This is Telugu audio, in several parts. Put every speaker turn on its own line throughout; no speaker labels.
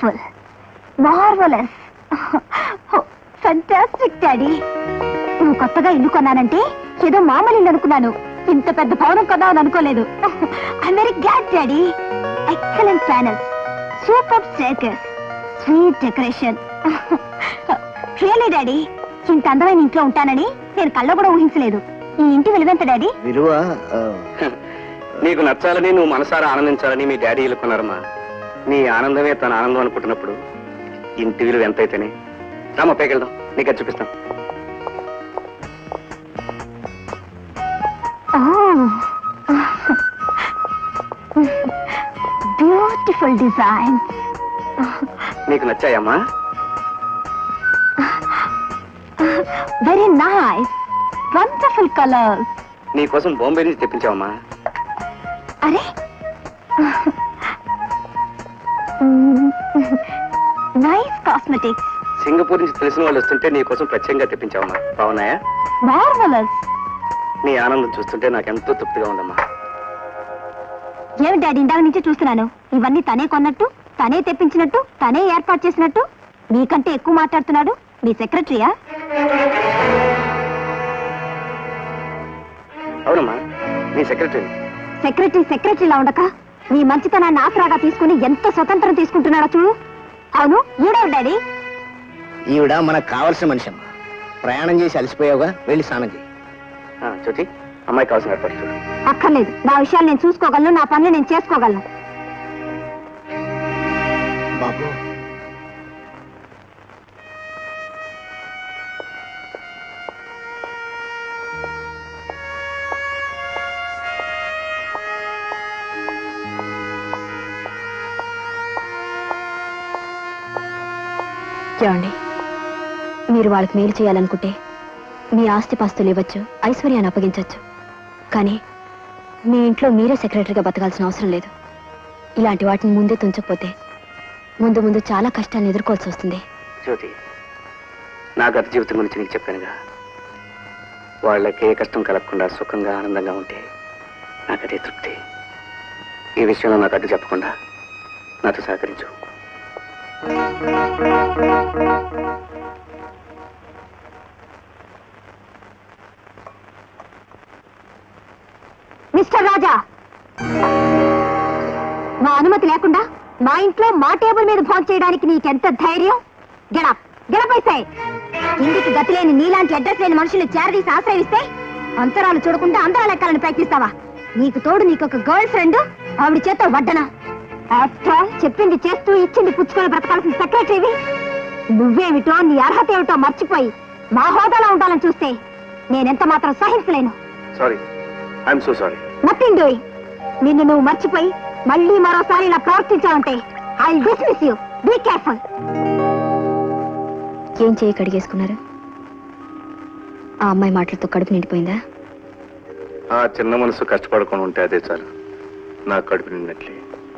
Beautiful, marvellous, fantastic daddy. నువ్వు కొత్తగా ఇల్లు కొన్నానంటే ఏదో మామూలు ఇల్లు అనుకున్నాను, ఇంత పెద్ద భవనం కొన్నావని అనుకోలేదు. I very glad daddy. Excellent panels, super staircase, sweet decoration. Really daddy, ఇంత అందమైన ఇంట్లో ఉంటానని నేను కళ్ళ కూడా ఊహించలేదు. ఈ ఇంటి విలువెంత డాడీ?
విలువ
నీకు నచ్చాలని, నువ్వు మనసారా ఆనందించాలని మీ డాడీ ఇల్లుకున్నారమ్మా. నీ ఆనందమే తన ఆనందం అనుకుంటున్నప్పుడు ఇంటి విలువ ఎంతైతేనే. రామా పైకి వెళ్దాం, నీకు అది చూపిస్తాం.
Beautiful design.
నీకు నచ్చాయమ్మా?
Very nice, wonderful colours.
నీకోసం బాంబే నుంచి తెప్పించావమ్మా.
అరే నైస్ కాస్మెటిక్స్.
సింగపూర్ నుంచి తెలిసిన వాళ్ళు వస్తుంటే నీకోసం ప్రత్యేకంగా తెప్పించావమ్మా. బాగున్నాయా?
మార్వలస్.
నీ ఆనందం చూస్తుంటే నాకెంతో తృప్తిగా ఉందమ్మా.
ఏమి డాడీ, ఇందాక నుంచి చూస్తున్నాను ఇవన్నీ తనే కొన్నట్టు, తనే తెప్పించినట్టు, తనే ఏర్పాటు చేసినట్టు. మీకంటే ఎక్కువ మాట్లాడుతున్నాడు మీ సెక్రటరీయా?
అవునమ్మా, నీ సెక్రటరీ.
సెక్రటరీలా ఉండక నీ మంచితనాన్ని ఆసరాగా తీసుకుని ఎంత స్వతంత్రం తీసుకుంటున్నాడో చూడు. అవును, ఈడెవరు డాడీ?
ఈవిడ మనకు కావాల్సిన మనిషి అమ్మా. ప్రయాణం చేసి అలసిపోయావుగా, వెళ్ళి స్నానం చేయి.
జ్యోతి, అమ్మాయి కావాల్సిన ఏర్పాటు చూడు.
అక్కర్లేదు, నా విషయాలు నేను చూసుకోగలను, నా పనులు నేను చేసుకోగలను.
బాబు,
చూడండి, మీరు వాళ్ళకి మేలు చేయాలనుకుంటే మీ ఆస్తిపాస్తులు ఇవ్వచ్చు, ఐశ్వర్యాన్ని అప్పగించవచ్చు. కానీ మీ ఇంట్లో మీరే సెక్రటరీగా బతకాల్సిన అవసరం లేదు. ఇలాంటి వాటిని ముందే తుంచకపోతే ముందు ముందు చాలా కష్టాన్ని ఎదుర్కోవాల్సి వస్తుంది.
జ్యోతి, నా గత జీవితం గురించి నీకు చెప్పానుగా. వాళ్ళకి ఏ కష్టం కలగకుండా సుఖంగా ఆనందంగా ఉంటే నాకదే తృప్తి. ఈ విషయంలో నాకు అడ్డు చెప్పకుండా నాతో సహకరించు.
మిస్టర్ రాజా, మా అనుమతి లేకుండా మా ఇంట్లో మా టేబుల్ మీద ఫోన్ చేయడానికి నీకెంత ధైర్యం? గెడపైసే. ఇంటికి గతి లేని నీలాంటి అడ్రస్ లేని మనుషులు చేరదీసి ఆశ్రయిస్తే అంతరాలు చూడకుండా అంతరాలు ఎక్కాలని ప్రయత్నిస్తావా? నీకు తోడు నీకొక గర్ల్ ఫ్రెండ్, ఆవిడ చేత వడ్డనా? ఆఫ్టర్ ఆల్ చెప్పింది చేస్తూ ఇచ్చింది పుచ్చుకొని బ్రతకాల్సిన సెక్రటరీవి నువ్వేమిటో, నీ అర్హత ఏమిటో మర్చిపోయి మా హోదాలో ఉండాలని చూస్తే నేనెంత మాత్రం సహించలేను.
Sorry, I'm so sorry.
Nothing doing. నిన్ను నువ్వు మర్చిపోయి మళ్ళీ మరోసారి ఇలా ప్రవర్తించావంటే I will dismiss you. Be careful. ఏం చేయి కడిగేసుకున్నారు? ఆ అమ్మాయి మాటలతో కడుపు నిండిపోయిందా?
ఆ చిన్న మనసు కష్టపడకుండా ఉంటే అదే చాలు, నాకు కడుపు నిండినట్లే.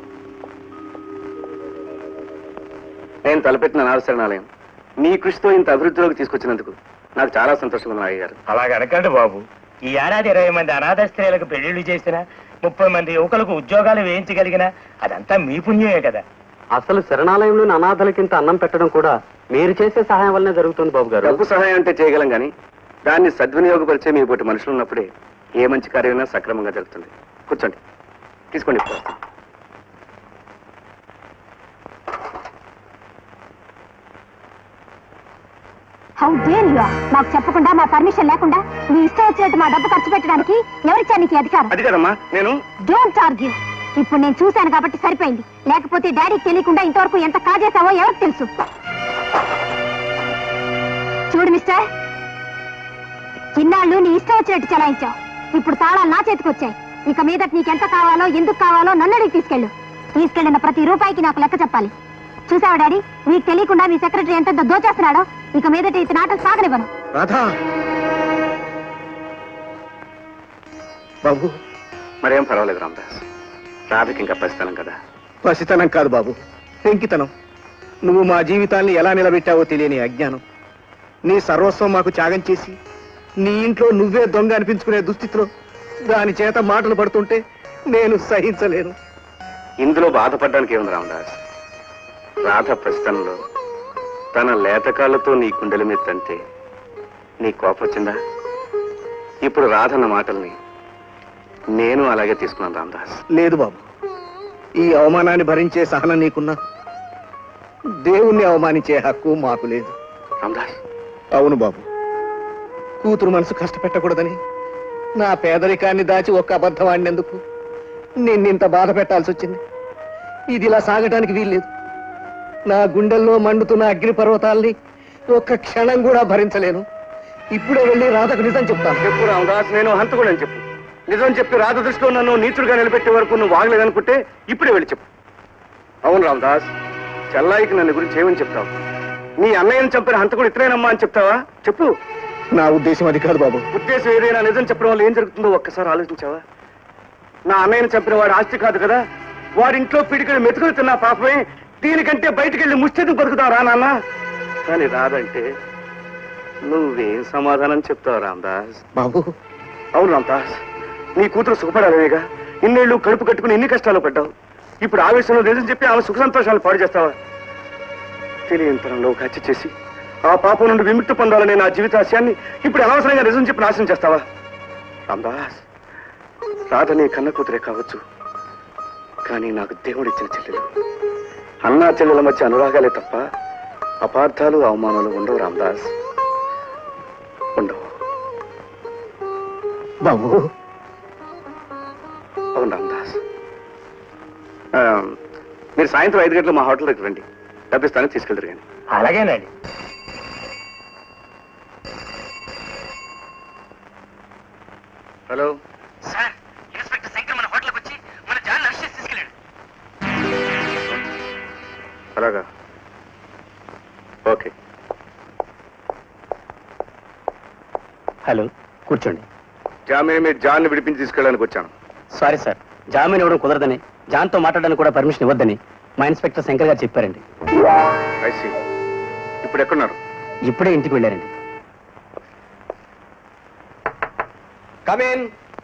నేను తలపెట్టిన అనాథశరణాలయం మీ కృషితో ఇంత అభివృద్ధిలోకి తీసుకొచ్చినందుకు నాకు చాలా సంతోషంగా ఉంది అయ్య గారు.
అలాగనకండి బాబు. ఈ ఏడాది 20 మంది అనాథ స్త్రీలకు పెళ్లిళ్లు చేసినా, 30 మంది యువకులకు ఉద్యోగాలు వేయించగలిగినా అదంతా మీ పుణ్యమే కదా.
అసలు శరణాలయంలోని అనాథలకింత అన్నం పెట్టడం కూడా మీరు చేసే సహాయం వల్లనే జరుగుతుంది బాబు గారు.
డబ్బు సహాయం అంటే చేయగలం కానీ దాన్ని సద్వినియోగపరిచే మీ పోటీ మనుషులు ఉన్నప్పుడే ఏ మంచి కార్యమైనా సక్రమంగా జరుగుతుంది. కూర్చోండి, తీసుకోండి.
How dare you! మాకు చెప్పకుండా, మా పర్మిషన్ లేకుండా నీ ఇష్టం వచ్చినట్టు మా డబ్బు ఖర్చు పెట్టడానికి ఎవరిచ్చా నీకు అధికారం?
అది కదమ్మా, నేను
డోంట్ ఆర్గ్యూ. ఇప్పుడు నేను చూశాను కాబట్టి సరిపోయింది. లేకపోతే డాడీకి తెలియకుండా ఇంతవరకు ఎంత కాజేశావో ఎవరికి తెలుసు. చూడు మిస్టర్, ఇన్నాళ్ళు నీ ఇష్టం వచ్చినట్టు చలాయించావు. ఇప్పుడు తాళాలు నా చేతికి వచ్చాయి. ఇక మీదట నీకెంత కావాలో, ఎందుకు కావాలో నన్ను అడిగి తీసుకెళ్ళిన ప్రతి రూపాయికి నాకు లెక్క చెప్పాలి. చూసావా డాడీ, మీకు తెలియకుండా మీ సెక్రటరీ ఎంత దోచేస్తున్నాడో. ఇక మీదట ఇతని ఆటలు సాగనివ్వను.
బాబు,
మరేం పర్వాలేదు రామదాస్. రాధకి ఇంకా పసితనం కదా.
పసితనం కాదు బాబు, పెంకితనం. నువ్వు మా జీవితాన్ని ఎలా నిలబెట్టావో తెలియని అజ్ఞానం. నీ సర్వస్వం మాకు త్యాగం చేసి నీ ఇంట్లో నువ్వే దొంగ అనిపించుకునే దుస్థితిలో దాని చేత మాటలు పడుతుంటే నేను సహించలేను.
ఇందులో బాధపడడానికి ఏముంది రామదాస్? రాధ ప్రశ్నలో తన లేతకాళ్లతో నీ కుండల మీద తంటే నీ కోపొచ్చిందా? ఇప్పుడు రాధన్న మాటల్ని నేను అలాగే తీసుకున్నాను రామదాస్.
లేదు బాబు, ఈ అవమానాన్ని భరించే సహనం నీకున్నా దేవుణ్ణి అవమానించే హక్కు మాకు లేదు.
రామదాస్,
అవును బాబు, కూతురు మనసు కష్టపెట్టకూడదని నా పేదరికాన్ని దాచి ఒక్క అబద్ధం ఆడినందుకు నిన్నింత బాధ పెట్టాల్సి వచ్చింది. ఇది ఇలా సాగటానికి వీల్లేదు. నా గుండెల్లో మండుతున్న అగ్ని పర్వతాల్ని ఒక్క క్షణం కూడా భరించలేను. ఇప్పుడే వెళ్ళి రాధకు నిజం చెప్తాను.
చెప్పు రామదాస్, నేను హంతకుడని చెప్పు. నిజం చెప్పి రాధ దృష్టిలో నన్ను నీచుడుగా నిలబెట్టే వరకు నువ్వు వాగలేదనుకుంటే ఇప్పుడే వెళ్ళి చెప్పు. అవును రామదాస్, చెల్లాయికి నన్ను గురించి ఏమని చెప్తావు? నీ అన్నయ్యని చంపిన హంతకుడు ఇతరేనమ్మా అని చెప్తావా? చెప్పు.
నా ఉద్దేశం అది కాదు బాబు.
ఉద్దేశం ఏదైనా నిజం చెప్పడం వల్ల ఏం జరుగుతుందో ఒక్కసారి ఆలోచించావా? నా అన్నయ్యని చంపిన వాడు ఆస్తి కాదు కదా, వాడింట్లో పిడికలు మెతుకులు తిన్నా పాపమే. దీనికంటే బయటికి వెళ్ళి ముచ్చేది బతుకుతావు రా నాన్న. కానీ రాదంటే నువ్వేం సమాధానం చెప్తావు రామదాస్?
బాబు,
అవును రామదాస్, నీ కూతురు సుఖపడాలనేగా ఇన్నేళ్లు కడుపు కట్టుకుని ఎన్ని కష్టాలు పడ్డావు. ఇప్పుడు ఆవేశంలో నిజం చెప్పి ఆమె సుఖ సంతోషాలు పాడు చేస్తావా? తెలియంతరంలో ఒక హత్య చేసి ఆ పాపం నుండి విముక్తి పొందాలనే నా జీవితాశయాన్ని ఇప్పుడు అనవసరంగా నిజం చెప్పి నాశనం చేస్తావా? రామదాస్, రాధ నీ కన్న కూతురే కావచ్చు, కానీ నాకు దేవుడిచ్చిన చెల్లెలు. అన్నా చెల్లెల మధ్య అనురాగాలే తప్ప అపార్థాలు అవమానాలు ఉండవు రామదాస్, ఉండవు.
బాబు,
అవును రామదాస్. మీరు సాయంత్రం 5 గంటలు మా హోటల్ దగ్గర రండి, డబ్బిస్తాను, తీసుకెళ్తారు. కానీ
అలాగేనండి.
హలో
సార్, ఇన్స్పెక్టర్ శంకర్ మన హోటల్కి వచ్చి మన జాన్ అరెస్ట్ చేసి తీసుకెళ్ళాడు.
అలాగా, ఓకే.
హలో, కూర్చోండి.
జామీన్ మీద జాన్ని విడిపించి తీసుకెళ్ళడానికి వచ్చాను.
సారీ సార్, జామీన్ ఇవ్వడం కుదరదని, జాన్తో మాట్లాడడానికి కూడా పర్మిషన్ ఇవ్వద్దని మా ఇన్స్పెక్టర్ శంకర్ గారు చెప్పారండి.
I see. ఇప్పుడు ఎక్కడున్నారు?
ఇప్పుడే ఇంటికి వెళ్ళారండి. Come in.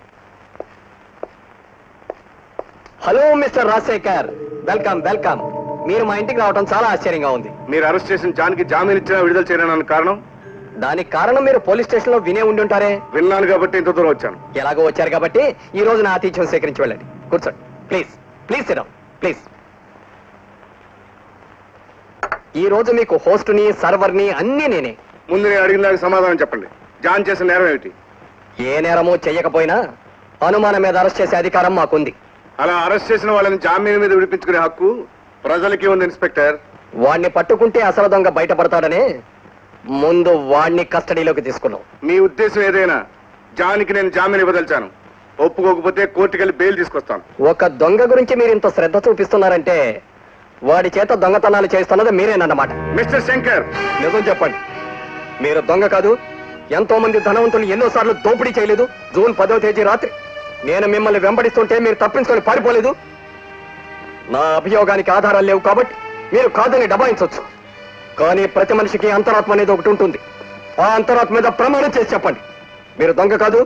Hello mister Rajasekhar, welcome welcome. మీరు మా ఇంటికి రావడం చాలా ఆశ్చర్యంగా ఉంది.
మీరు అరెస్ట్ చేసిన జాన్కి జామీన్ ఇచ్చినా విడుదల చేయడానికి కారణం?
దానికి కారణం మీరు పోలీస్ స్టేషన్ లో వినే ఉండి ఉంటారే.
విన్నాను కాబట్టి ఇంత దూరం వచ్చాను.
ఎలాగో వచ్చారు కాబట్టి ఈ రోజు నా ఆతిథ్యం సేకరించి వెళ్ళండి. కూర్చోండి please. Please sit down please. ఈ రోజు మీకు హోస్ట్ని సర్వర్ని అన్నీ నేనే.
ముందు నేను అడిగిన దానికి సమాధానం చెప్పండి. జాన్ చేసిన నేరం ఏమిటి?
ఏ నేరమో చెయ్యకపోయినా అనుమానం మీద అరెస్ట్ చేసే అధికారం మాకుంది.
అలా అరెస్ట్ చేసిన వాళ్ళని జామీన్ మీద విడిపించుకునే హక్కు ప్రజలకి ఉంది ఇన్స్పెక్టర్.
వాణ్ణి పట్టుకుంటే అసలు దొంగ బయటపడతాడనే ముందు వాణ్ణి కస్టడీలోకి తీసుకున్నాం.
మీ ఉద్దేశం ఏదైనా జాన్కి నేను జామీన్ ఇవ్వదలిచాను. ఒప్పుకోకపోతే కోర్టుకెళ్ళి బెయిల్ తీసుకొస్తాను.
ఒక దొంగ గురించి మీరు ఇంత శ్రద్ధ చూపిస్తున్నారంటే వాడి చేత దొంగతనాలు చేస్తున్నది మీరేనన్నమాట.
మిస్టర్ శంకర్,
నిజం చెప్పండి, మీరు దొంగ కాదు. ఎంతో మంది ధనవంతులు ఎన్నోసార్లు దోపిడీ చేయలేదు. జూన్ 10వ తేదీ రాత్రి నేను మిమ్మల్ని వెంబడిస్తుంటే మీరు తప్పించుకొని పారిపోలేదు. నా అభియోగానికి ఆధారాలు లేవు కాబట్టి మీరు కాదని దబాయించవచ్చు. కానీ ప్రతి మనిషికి అంతరాత్మ అనేది ఒకటి ఉంటుంది. ఆ అంతరాత్మ మీద ప్రమాణం చేసి చెప్పండి, మీరు దొంగ కాదు.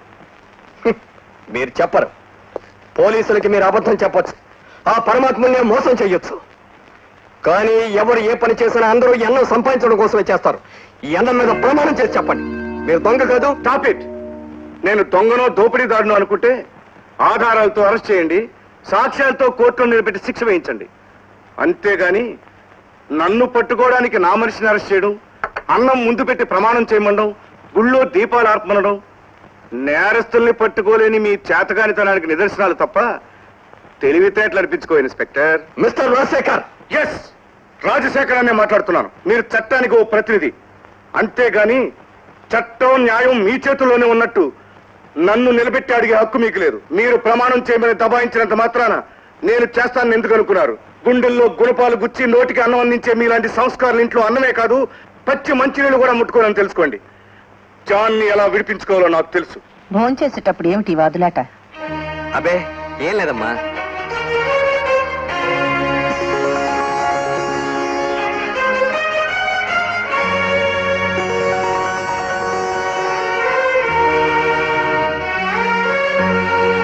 మీరు చెప్పరు. పోలీసులకి మీరు అబద్ధం చెప్పొచ్చు, ఆ పరమాత్మనే మోసం చెయ్యొచ్చు. కానీ ఎవరు ఏ పని చేసినా అందరూ ఎన్నం సంపాదించడం కోసమే చేస్తారు. ఈ ఎన్నం మీద ప్రమాణం చేసి చెప్పండి, మీరు దొంగ కాదు.
Stop it. నేను దొంగనో దోపిడీదారునో అనుకుంటే ఆధారాలతో అరెస్ట్ చేయండి, సాక్ష్యాలతో కోర్టులో నిలబెట్టి శిక్ష వేయించండి. అంతేగాని నన్ను పట్టుకోవడానికి నా మనిషిని అరెస్ట్ చేయడం, అన్నం ముందు పెట్టి ప్రమాణం చేయమండం, గుళ్ళో దీపాలు ఆర్పమనడం నేరస్తుల్ని పట్టుకోలేని మీ చేతగానితనానికి నిదర్శనాలు తప్ప తెలివితేటలు అనిపించుకో inspector.
Mister Rajasekhar.
Yes, Rajasekhar అనే మాట్లాడుతున్నాను. మీరు చట్టానికి ఓ ప్రతినిధి, అంతేగాని చట్టం న్యాయం మీ చేతుల్లోనే ఉన్నట్టు నన్ను నిలబెట్టి అడిగే హక్కు మీకు లేదు. మీరు ప్రమాణం చేయమని దబాయించినంత మాత్రాన నేను చేస్తానని ఎందుకు అనుకున్నారు? గుండెల్లో గుణపాలు గుచ్చి నోటికి అన్నం అందించే మీలాంటి సంస్కారాలు ఇంట్లో అన్నమే కాదు, పచ్చి మంచినీళ్ళు కూడా ముట్టుకోవాలని తెలుసుకోండి. జాన్ని ఎలా విడిపించుకోవాలో నాకు తెలుసు.
భోంచేసేటప్పుడు ఏమిటి వాదులాట?
అబే ఏం లేదమ్మా.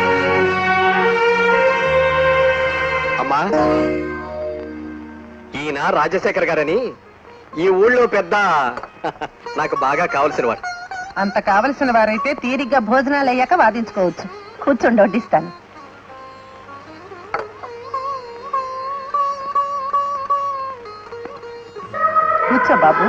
అమ్మా, ఈ ఈయన రాజశేఖర్ గారని ఈ ఊళ్ళో పెద్ద నాకు బాగా కావలసిన వాడు.
అంత కావలసిన వారైతే తీరిగ్గా భోజనాలు అయ్యాక వాదించుకోవచ్చు. కూర్చోండి, వడ్డిస్తాను. కూర్చో బాబు.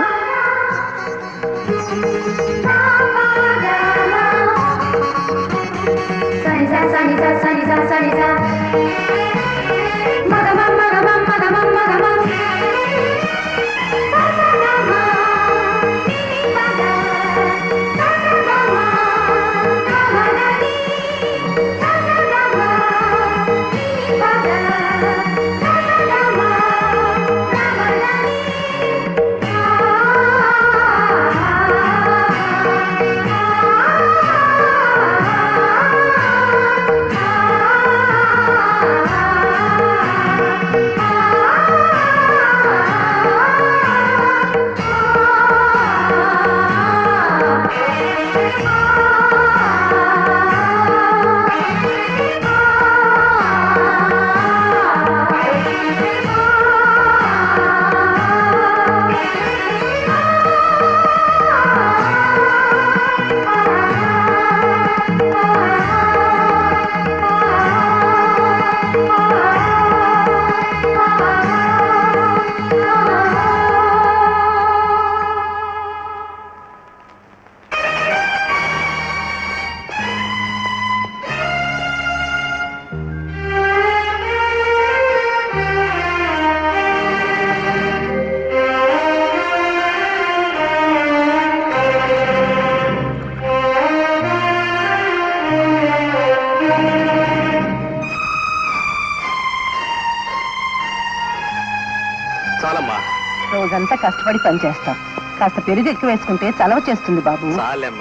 చాలమ్మా.
రోజంతా కష్టపడి పనిచేస్తాం. కాస్త పెరుగు ఎక్కువ వేసుకుంటే చలవ చేస్తుంది బాబు.
చాలమ్మా.